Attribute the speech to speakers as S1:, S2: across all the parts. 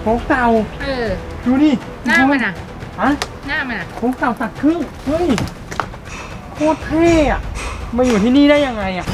S1: ค้กเต่า ดูดิ
S2: หน้ามันอ่ะ
S1: ฮะ
S2: หน้ามันอ่ะ
S1: โค้กเต่าตัดครึ่งเฮ้ยโคตรเท่อะมาอยู่ที่นี่ได้ยังไงอะ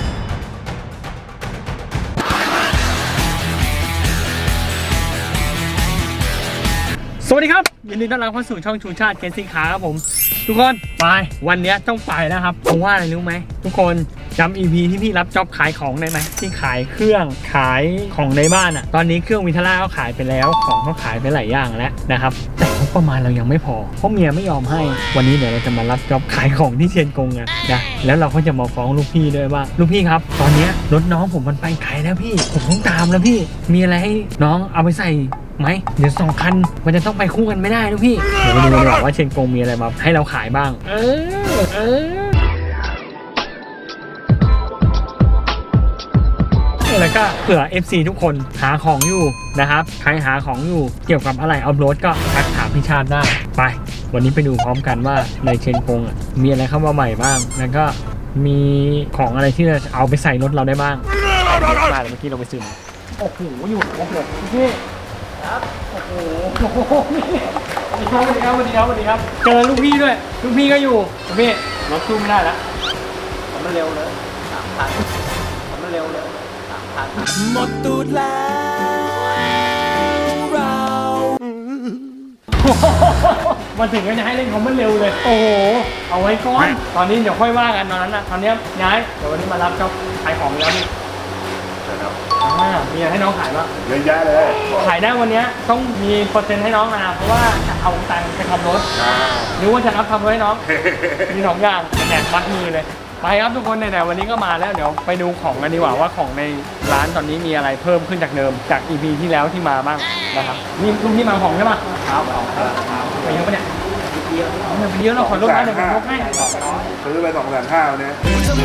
S1: สวัสดีครับยินดีต้อนรับเข้าสู่ช่องชูชาติเกนซิงคาครับผมทุกคนไปวันนี้ต้องไปแล้วครับเพราะว่าอะไรรู้ไหมทุกคนจำ EP ที่พี่รับจ็อบขายของได้ไหมที่ขายเครื่องขายของในบ้านอ่ะตอนนี้เครื่องวินทล่าเขาขายไปแล้วของเขาขายไปหลายอย่างแล้วนะครับแต่งบประมาณเรายังไม่พอเพราะเมียไม่ยอมให้วันนี้เดี๋ยวเราจะมารับจ็อบขายของที่เชียงกงกันนะแล้วเราก็จะมาฟ้องลูกพี่ด้วยว่าลูกพี่ครับตอนนี้รถน้องผมมันไปไกลแล้วพี่ผมต้องตามแล้วพี่มีอะไรให้น้องเอาไปใส่ไหมเดี๋ยว2 คันมันจะต้องไปคู่กันไม่ได้นะพี่เดี๋ยวมาดูดีกว่าว่าเชียงกงมีอะไรมาให้เราขายบ้างแล้วก็เผื่อ FC ทุกคนหาของอยู่นะครับใครหาของอยู่เกี่ยวกับอะไรเอารถก็ทักถามพี่ชาติได้ไปวันนี้ไปดูพร้อมกันว่าในเชียงกงมีอะไรเข้ามาใหม่บ้างแล้วก็มีของอะไรที่จะเอาไปใส่รถเราได้บ้างมาเมื่อกี้เราไปซื้อโอ้โหอยู่ครบเลยพี่ครับโอ้โหสวัสดีครับเจอลูกพี่ด้วยลูกพี่ก็อยู่ลูกพี่รถสู้ไม่ได้แล้วทำมาเร็วเลย3,000ทำมาเร็วเลย3,000หมดตูดแล้วเรามาถึงก็จะให้เล่นคอมมันเร็วเลยโอ้โหเอาไว้ก่อนตอนนี้เดี๋ยวค่อยว่ากันตอนนั้นนะตอนนี้ย้ายเดี๋ยววันนี้มารับเจ้าขายของแล้วนี่มีอะไรให้น้องขายบ้าง
S3: เยอะแยะเลย
S1: ขายได้วันนี้ต้องมีเปอร์เซ็นต์ให้น้องนะเพราะว่าจะเอาตังค์ไปทำรถหรือว่าจะรับทำรถให้น้องมี2 อย่างแหนมัดมือเลยไปครับทุกคนไหนๆวันนี้ก็มาแล้วเดี๋ยวไปดูของกันดีกว่าว่าของในร้านตอนนี้มีอะไรเพิ่มขึ้นจากเดิมจาก EP ที่แล้วที่มาบ้างนะครับนี่ลุงที่มาของใช่ปะครับไปเยอะปะเนี่ยเยอะเราขอลดนะเดี๋ยวผมลดให้
S3: ซื้อไป250,000เนี่ย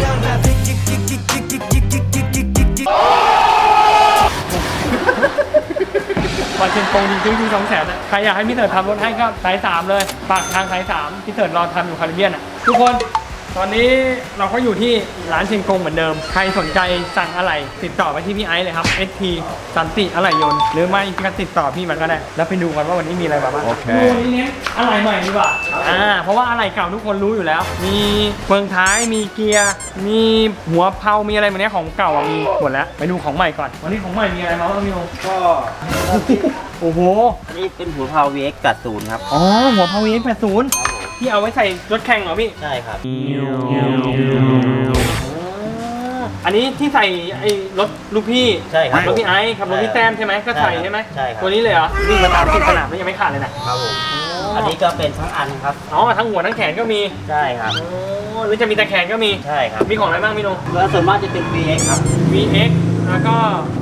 S1: วันเชียงกงจริงๆ200,000นะใครอยากให้พี่เถิดทำรถให้ก็สาย3เลยฝากทางสาย3พี่เถิดรอทำอยู่คาริเบียนอ่ะทุกคนตอนนี้เราก็อยู่ที่ร้านเชียงกงเหมือนเดิมใครสนใจสั่งอะไรติดต่อไปที่พี่ไอซ์เลยครับ ST สันติอะไหล่ยนต์หรือไม่ก็ติดต่อพี่มันก็ได้แล้วไปดูกันว่าวันนี้มีอะไรบ้างดูนี้เนี้ยอะไหล่ใหม่ดีกว่าเพราะว่าอะไหล่เก่าทุกคนรู้อยู่แล้วมีเฟืองท้ายมีเกียร์มีหัวเพลามีอะไรแบบนี้ของเก่ามีหมดแล้วไปดูของใหม่ก่อนวันนี้ของใหม่มีอะไรมาบ้างพี่โอ
S4: ก็
S1: โอ้โห
S4: อันนี้เป็นหัวเพลา VX 80ครับ
S1: อ๋อหัวเพลา VX 80ที่เอาไว้ใส่รถแข่งเหรอพี่
S4: ใช่ครับ
S1: อันนี้ที่ใส่ไอ้รถลูกพี่
S4: ใช่ครับ
S1: รถพี่ไอซ์ขับรถพี่แต้มใช่ไหมก็ใส่ใช่ไหม
S4: ใช่ครับ
S1: ตัวนี้เลยเหรอวิ่งมาตามที่สนามแล้วยังไม่ขาดเลยนะครับ
S4: ผมอันนี้ก็เป็นทั้งอันครับ
S1: อ๋อทั้งหัวทั้งแขนก็มี
S4: ใช่ครับ
S1: โอ้หรือจะมีแต่แขนก็มี
S4: ใช่ครับ
S1: มีของอะไรบ้างพี่โน
S4: แล้วส่วนมากจะเป็น VX ครับ
S1: VX แล้วก็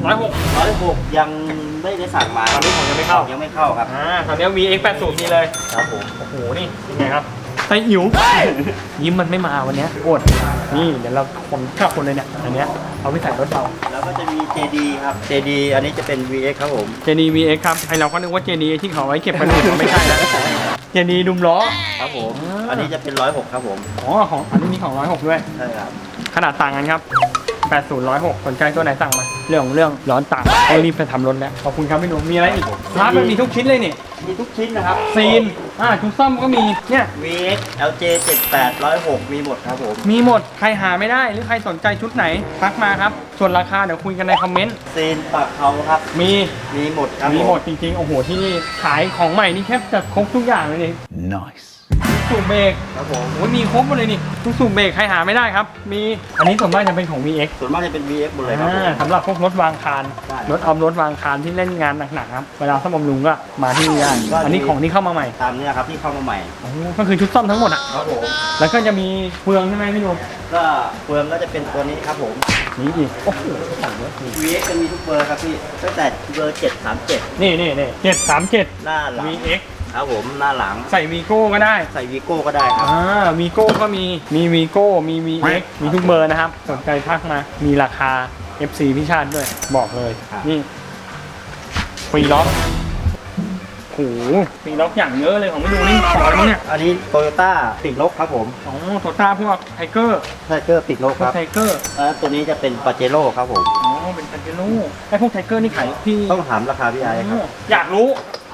S1: 106
S4: ยังไม่ได้สั่งมา
S1: ตอนนี้ผมยังไม่เข้า
S4: ครับ
S1: ตอนนี้ VX 80มีเลย
S4: ครับผม
S1: โอ้โหนี่ยังไงครับไส้อิ๋วยิ้มมันไม่มาวันนี้อดนี่เดี๋ยวเราคนเลยเนี่ยอันเนี้ยเอาไปใส่รถเรา
S4: แล้วก็จะมี JD ครับ JD อันนี้จะเป็น VX ครับผม
S1: JD VX ครับไอเราก็นึกว่า JD ที่เขาไว้เก็บกระดูกไม่ใช่นะ JD ดุมล้อ
S4: ครับผมอันนี้จะเป็น106ครับผม
S1: อ๋อของอันนี้มีของ106ด้วย
S4: ใช่ครับ
S1: ขนาดต่างกันครับ80 106สนใจตัวไหนสั่งมาเรื่องร้อนต่างต้องรีบไปทำรถแล้วขอบคุณครับพี่หนุ่มมีอะไรอีกร้านมันมีทุกชิ้นเลยนี่
S4: มีทุกชิ้นนะครับ
S1: ซีนชุดซ่อมก็มีเนี่ย
S4: VX LJ 78 106มีหมดครับผม
S1: มีหมดใครหาไม่ได้หรือใครสนใจชุดไหนทักมาครับส่วนราคาเดี๋ยวคุยกันในคอมเมนต์
S4: ซีนปากเขาครับ
S1: มี
S4: หมดครับ
S1: มีหมดจริงๆโอ้โหที่นี่ขายของใหม่นี่แค่จะครบทุกอย่างเลยนี่
S3: nice
S1: สูบเบรก
S4: ครับผม
S1: โอ้ยมีครบหมดเลยนี่ทุกสูบเบรกใครหาไม่ได้ครับมีอันนี้ส่วนมากจะเป็นของ VX
S4: ส่วนมากจะเป็น VX หมดเลยครับ
S1: สำหรับพวกรถวางคานรถรถวางคานที่เล่นงานหนักๆครับเวลาซ่อมบำรุงก็มาที่นี่ได้อันนี้ของที่เข้ามาใหม่
S4: ตามนี้ครับที่เข้ามาใหม่
S1: ก็คือชุดซ่อมทั้งหมดอ่ะ
S4: ครับผม
S1: แล้วก็จะมีเฟืองใช่ไหมพี่หนุ่ม
S4: ก็เฟืองก็จะเป็นตัวนี้ครับผม
S1: นี่อีกโอ้โหสั่งเยอะ
S4: VX จะมีทุกเบอร์ครับพี่ตั้งแต่เบอร์737
S1: นี่737
S4: หน้าหลัง
S1: VX
S4: ครับผมหน้าหลัง
S1: ใส่วีโก้ก็ได้
S4: ใส่วีโก้ก็ได้ครับ
S1: วีโก้ก็มีวีโก้มี VX มีทุกเบอร์นะครับสนใจทักมามีราคา FC พี่ชาติด้วยบอกเลยนี่ฟรีล็อกโอ้โหฟรีล็อกอย่างเยอะเลยของไม่ดูนี่ของอะไรเนี่ย
S4: อันนี้โตโยต้าติดลบครับผม
S1: อ๋อโตโยต้าพวกไทเกอร์
S4: ติดลบครับ
S1: ไทเกอร์
S4: ตัวนี้จะเป็นปาเจโร่ครับผม
S1: อ๋อเป็นปาเจโร่ไอพวกไทเกอร์นี่ขายที่
S4: ต้องถามราคาพี่ไอครับ
S1: อยากรู้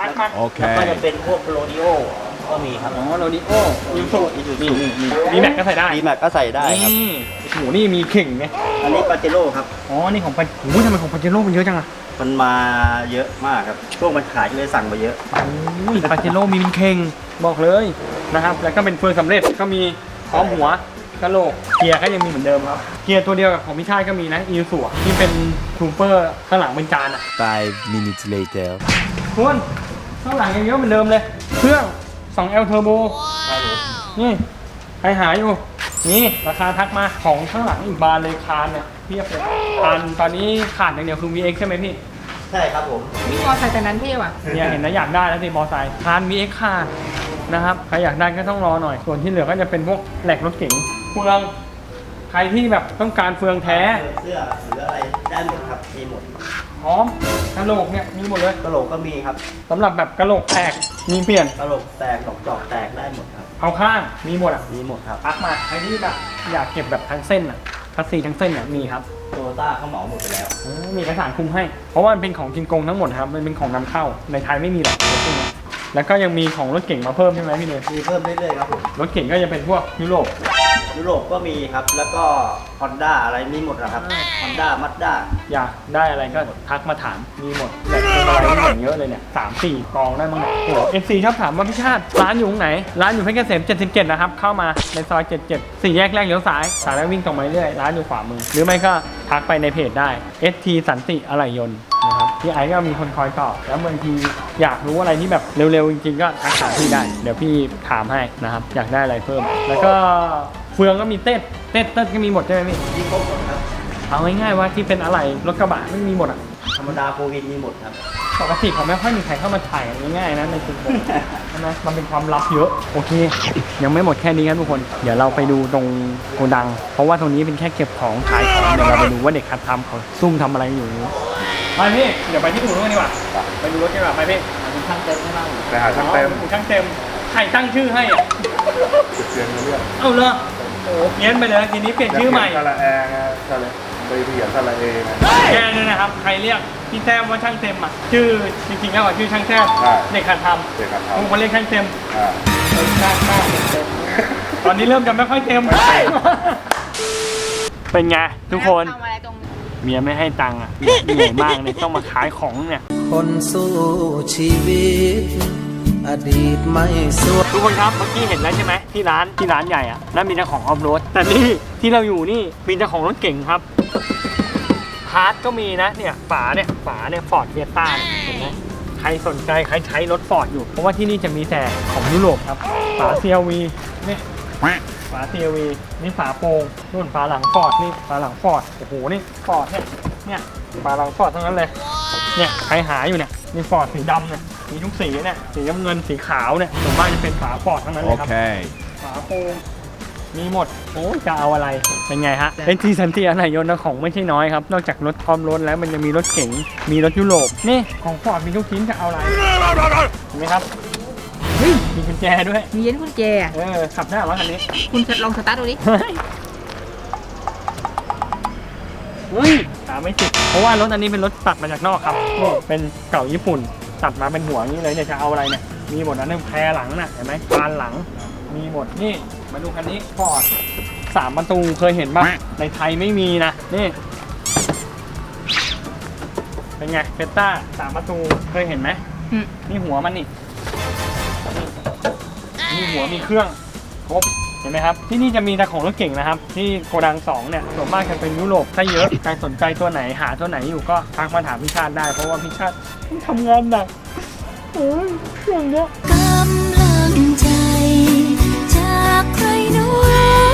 S1: ทักมา
S4: แล้วก็จะเป็นพวกโรดิโอก็มีครับ
S1: อ๋อโรดิโอยูสุ
S4: อีซู
S1: นี่
S4: ซู
S1: มีแม็กก็ใส่ได้
S4: ดีแม็กก็ใส่ได้ครับ
S1: นี่โอ้โหนี่มีเข่งไง
S4: อันนี้ปาเจโร่ครับ
S1: อ๋อนี่ของปาโอ้ยทำไมของปาเจโร่มันเยอะจังอะ
S4: มันมาเยอะมากครับช่วงมันขายเลยสั่งมาเยอะ
S1: โอ้ยปาเจโร่มีเป็นเข่งบอกเลยนะครับแล้วก็เป็นเฟืองสำเร็จก็มีพร้อมหัวกระโหลกเกียร์ก็ยังมีเหมือนเดิมครับเกียร์ตัวเดียวกับของพี่ชาติก็มีนะอีซูที่เป็นทูเปอร์ข้างหลังเป็นจานอะ
S2: 5 minutes later
S1: คุณข้างหลังยังเยอะเหมือนเดิมเลย เครื่อง 2L Turbo นี่ใครหาอยู่ นี่ราคาทักมาของข้างหลังอีกบานเลยคานเนี่ยเทียบเลยคานตอนนี้ขาดอย่างเดียวคือ VX ใช่ไหมพี่
S4: ใช่ครับผม
S5: มีมอไซค์แต่นั้นเท่ว่ะ
S1: เนี่ยเห็นแล้วอยากได้แล้วสิมอไซค์คาน VX ขาดนะครับใครอยากได้ก็ต้องรอหน่อย ส่วนที่เหลือก็จะเป็นพวกแหลกรถเก๋งเฟืองใครที่แบบต้องการเฟืองแท้
S4: เสื้อหรืออะไรได้หมดครับมีหมด
S1: พร้อมกระโหลกเนี่ยมีหมดเลย
S4: กระโหลกก็มีครับ
S1: สำหรับแบบกระโหลกแตกมีเปลี่ยน
S4: กระโหลกแตกดอกจอกแตกได้หมดครับ
S1: เอาข้างมีหมดอ่ะ
S4: มีหมดครับ
S1: ทักมาใครที่แบบอยากเก็บแบบทั้งเส้นอ่ะทัสซีทั้งเส้นเนี่ยมีครับ
S4: โตโยต้าเขาเหมาหมดไปแล้ว
S1: มีเอกสารคุมให้ เพราะว่ามันเป็นของกินกงทั้งหมดครับมันเป็นของนำเข้าในไทยไม่มีหรอกรถพวกนี้แล้วก็ยังมีของรถเก่งมาเพิ่มใช่ไหมพี่เนย
S4: มีเพิ่มเรื่อยๆครับผม
S1: รถเก่งก็จะเป็นพวกยุโรป
S4: ยุโรปก็มีครับ แล้วก็ฮอนด้าอะไรมีหมดนะครับฮอนด้ามัดด้า
S1: อยากได้อะไรก็ทักมาถามมีหมดแต่เป็นอะไรที่อย่างเยอะเลยเนี่ย3-4 กองได้มั้งเนี่ยโอ้โห FC ชอบถามว่าพี่ชาติร้านอยู่ตรงไหนร้านอยู่เพชรเกษม77นะครับเข้ามาในซอย77 4 แยกแรกเลี้ยวซ้ายสายแล้ววิ่งตรงมาเรื่อยร้านอยู่ขวามือหรือไม่ก็ทักไปในเพจได้ ST สันติอะไหล่ยนต์นะครับพี่ไอ้ก็มีคนคอยตอบแล้วบางทีอยากรู้อะไรที่แบบเร็วๆจริงๆก็ทักถามพี่ได้เดี๋ยวพี่ถามให้นะครับอยากได้อะไรเพิ่ม แล้วก็เฟืองก็มีเต้นก็มีหมดใช่ไหมพี่
S4: มีครบหมดครับ
S1: เอาง่ายๆว่าที่เป็นอะไรรถกระบะไม่มีหมดอ่ะ
S4: ธรรมดาโฟวินมีหมดครับ
S1: ปกติเขาไม่ค่อยมีใครเข้ามาถ่ายกันง่ายๆนะในกลุ่มผมใช่ไหมมันเป็นความลับเยอะโอเค ยังไม่หมดแค่นี้ครับทุกคนเดี๋ยวเราไปดูตรงโกดัง เพราะว่าตรงนี้เป็นแค่เก็บของขายของเดี๋ยวเราไปดูว่าเด็กคัดทำเขาซุ่มทำอะไรอยู่ไปพี่เดี๋ยวไปที่อู่นู้นดีกว่าไปดูรถกันดีกว่าไปพี่
S4: มีช่างเต็มให้บ้าง
S3: ไปหาช่างเต็ม
S1: อู่ช่างเต็มใครตั้งชื่อให้อ่ะ
S3: จุดเปลี่ยนเรื่อง
S1: เอาเลยโอ้เพี้ยนไปเลยทีนี้เปลี่ยนชื่อใหม่
S3: สระแอร์ไงสระไปเขียนสระเอไง
S1: แกเนี่ยนะครับใครเรียกพี่แต้มว่าช่างเต็มอ่ะชื่อจริงๆแล้วอ่ะชื่อช่างแต้ม
S3: ใช่
S1: เด็กขัดทำ
S3: เด็กครับ
S1: ผมมาเรียกช่างเต็ม
S3: อ่า
S1: ตอนนี้เริ่มจะไม่ค่อยเต็มเป็นไงทุกคน
S5: ทำอะไรตรง
S1: เมียไม่ให้ตังค์อ่ะเหนื่อยมากเลยต้องมาขายของเนี่ย
S2: คนสู้ชีวิต อดีตไม่สวย
S1: ทุกคนครับเมื่อกี้เห็นแล้วใช่ไหมที่ร้านใหญ่อ่ะนั่นมีเจ้าของออฟโรดแต่นี่ที่เราอยู่นี่มีเจ้าของรถเก่งครับพาร์ทก็มีนะเนี่ยฝาเนี่ยฟอร์ดเฟียต้าเห็นไหมใครสนใจใครใช้รถฟอร์ดอยู่เพราะว่าที่นี่จะมีแต่ของยุโรปครับฝา CRV นี่ฝา CRV นี่ฝาโปร่งนู่นฝาหลังฟอร์ดนี่ฝาหลังฟอร์ดโอ้โหนี่ฟอร์ดเนี่ยฝาหลังฟอร์ดทั้งนั้นเลยเนี่ยใครหาอยู่เนี่ยนี่ฟอร์ดสีดำเนี่ยมีทุกสีเนี่ยสีน้ำเงินสีขาวเนี่ยส่วนมากจะเป็นฝาฟอร์ดทั้งนั้นเลยครับ ฝาโปร่งมีหมดโอ้จะเอาอะไรเป็นไงฮะเป็นที่สันติอะไรยนต์นะของไม่ใช่น้อยครับนอกจากรถพร้อมรถแล้วมันยังมีรถเก๋งมีรถยุโรปนี่ของฟอร์ดมีทุกชิ้นจะเอาอะไรเห็นไหมครับเฮ้ยมีกุญแจด้วย
S5: มีเย็นกุญแจอะ
S1: ขับได้เหรอคันนี้
S5: คุณลองสตาร์ทดูดิ
S1: เฮ้ยตามไม่ติดเพราะว่ารถอันนี้เป็นรถตัดมาจากนอกครับนี่เป็นเก่าญี่ปุ่นตัดมาเป็นหัวอย่างนี้เลยเนี่ยจะเอาอะไรเนี่ยมีหมดนะแพรหลังน่ะเห็นไหมบานหลังมีหมดนี่มาดูคันนี้ฟอร์ด3 ประตูเคยเห็นป่ะในไทยไม่มีนะนี่เป็นไงเฟต้า3 ประตูเคยเห็นไหม
S5: อืม
S1: นี่หัวมันนี่นี่หัวมีเครื่องครบเห็นไหมครับที่นี่จะมีแต่ของรถเก่งนะครับที่โกดัง2เนี่ยส่วนมากจะเป็นยุโรปถ้าเยอะใครสนใจตัวไหนหาตัวไหนอยู่ก็ทักมาถามพี่ชาติได้เพราะว่าพี่ชาติทำงานหนักโอ้ยเครื่องเนี้ย
S6: กำลังใจจากใครน้อย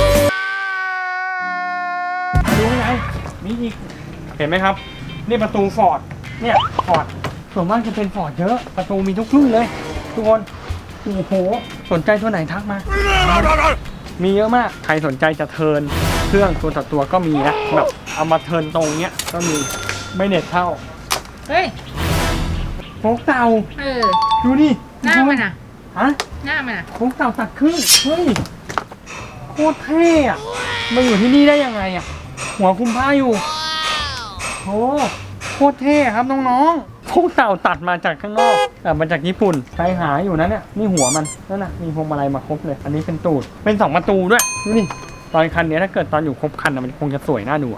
S1: ดูไงมีอีกเห็นไหมครับนี่ประตูฟอร์ดเนี่ยฟอร์ดส่วนมากจะเป็นฟอร์ดเยอะประตูมีทุกรุ่นเลยทุกคนโอ้โหสนใจตัวไหนทักมา มีเยอะมากใครสนใจจะเทิร์นเครื่องตัวต่อตัวก็มีนะแบบเอามาเทิร์นตรงเนี้ยก็มีไม่เน็ตเท่า
S5: เฮ้ย
S1: โฟกเต่า
S5: เออ
S1: ดูดิ
S5: หน้ามันอ่ะ
S1: ฮะ
S5: หน้ามันอ่ะ
S1: โฟกเต่าตัดครึ่งเฮ้ยโคตรเท่อะมาอยู่ที่นี่ได้ยังไงอะหัวคุมผ้าอยู่โอ้โคตรเท่ครับน้องๆพวกเต่าตัดมาจากข้างนอกมาจากญี่ปุ่นใครหาอยู่นะเนี่ยนี่หัวมันนั่นน่ะมีพวงมาลัยมาครบเลย อันนี้เป็นตูดเป็น2ประตูด้วยดูนี่ตอนคันนี้ถ้าเกิดตอนอยู่ครบคันมันคงจะสวยน่าดู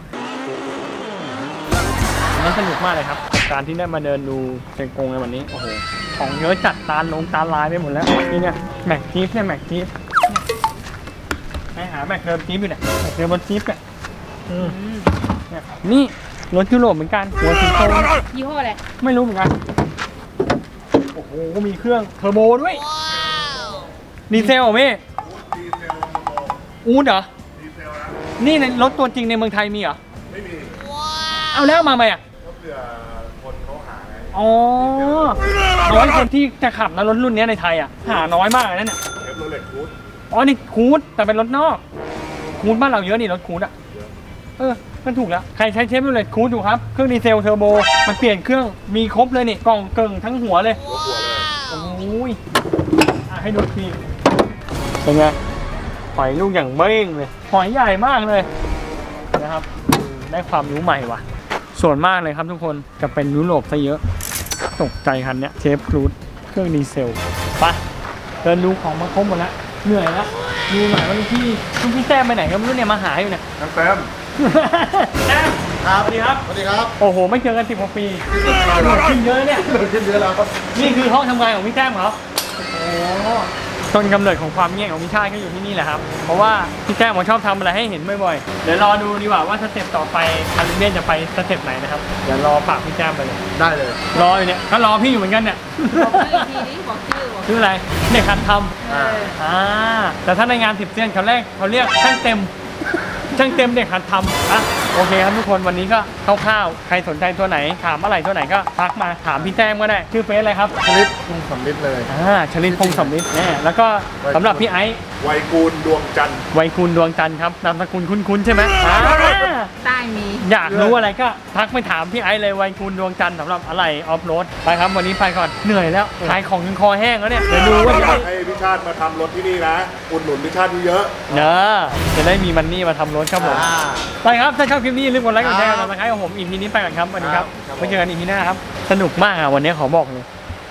S1: มันสนุกมากเลยครับกับการที่ได้มาเดินดูเชียงกงในวันนี้โอ้โหของเยอะจัดตาลายไปหมดแล้วนี่เนี่ยแม็กจี๊ปเนี่ยแม็กจี๊ปใครหาแม็กเดิมจี๊ปอยู่เนี่ยแม็กเดิมบนจี๊ปเนี่ยเนี่ยนี่รถยุโรปเหมือนกันหัวสีโต
S5: ยี่ห้ออะไร
S1: ไม่รู้เหมือนกัน โอ้โห มีเครื่องเทอร์โบด้วย ดีเซลเหรอพี่อูดเหรอ นี่ในรถตัวจริงในเมืองไทยมีเหรอ
S3: ไม่มี
S1: เอาแล้วมาไหมอ่ะ
S3: ก็เผื่อคนเขาหาไง
S1: อ๋อ น้อยคนที่จะขับนะรถรุ่นนี้ในไทยอ่ะ หาน้อยมากเลยนะเนี่ย
S3: เอฟโรเลตคูด
S1: อ๋อ นี่คูดแต่เป็นรถนอก คูดบ้านเราเยอะนี่รถคูดอ่ะ มันถูกแล้ว ใครใช้เชฟโรเลตคูดอยู่ครับ เครื่องดีเซลเทอร์โบ มันเปลี่ยนเครื่อง มีครบเลยนี่ กล่องเกิงทั้งหัวเลย
S3: หัวเลย
S1: โอ้ยให้ดูทีเป็นไง หอยลูกอย่างเบ้งเลย หอยใหญ่มากเลยนะครับ ได้ความรู้ใหม่ว่ะ ส่วนมากเลยครับทุกคนจะเป็นยุโรปซะเยอะ ตกใจคันเนี้ยเชฟครูดเครื่องดีเซลไปเดินดูของมาครบหมดแล้วเหนื่อยแล้วดูหน่อยว่าลูกพี่แต้มไปไหนก็ไม่รู้เนี่ยมาหาอยู่เนี่ย
S3: น้ำเต็ม
S1: แต้มสวัสดีครับ
S3: สวัสดีครับ
S1: โอ้โหไม่เจอกัน10 กว่าปีขึ้นเยอะเนี่ย
S3: เดินขึ้นเยอะแล้วครับ
S1: นี่คือห้องทำงานของพี่แต้มเหรอ โอ้ต้นกำเนิดของความเงียบของพี่ชาติก็อยู่ที่นี่แหละครับ เพราะว่าพี่แต้มเขาชอบทำอะไรให้เห็นบ่อยๆ เดี๋ยวรอดูดีกว่าว่าสเต็ปต่อไปคันเลียนจะไปสเต็ปไหนนะครับ เดี๋ยวรอฝากพี่แต้มไปเลย
S3: ได้เลย
S1: รออยู่เนี่ยก็รอพี่อยู่เหมือนกันเนี่ย
S5: บอกชื่ออีกทีนี้บอกชื่อ
S1: ชื่ออะไรเด็กคันท
S5: เออ
S1: ำแต่ถ้าในงาน10 เซียนเขาเรียกช่างเต็ม ช่างเต็มเด็กหัดทำอ่ะโอเคครับทุกคนวันนี้ก็คร่าวๆใครสนใจตัวไหนถามอะไรตัวไหนก็ทักมาถามพี่แต้มก็ได้ชื่อเฟซอะไรครับ
S3: ชลิดทุ่งสำลิดเลย
S1: ชลินพงศ์สำลิดเนี่ยแล้วก็สำหรับพี่ไอซ์
S3: ไวยกูลดวงจันทร์
S1: ไวยคูณดวงจันทร์ครับนามสกุลคุ้นๆใช่ไหม
S5: ใต้มี
S1: อยากรู้อะไรก็ทักไปถามพี่ไอซ์เลยไวยคูณดวงจันทร์สำหรับอะไรออฟโรดไปครับวันนี้ไปก่อนเหนื่อยแล้วขายของจนคอแห้งแล้วเนี่ยเดี๋ยวดูว่าจะ
S3: อยา
S1: ได้
S3: กให้พิชาติมาทำรถที่นี่นะอุดหนุนพิชาติเยอะ
S1: จะได้มีมันนี่มาทำรถครับผมไปครับถ้าชอบคลิปนี้อย่าลืมกดไลค์กดแชร์กดติดตามของผมอีพีนี้ไปก่อนครับสวัสดีครับไว้เจอกันอีพีหน้าครับสนุกมากอ่ะวันนี้ขอบอกเลย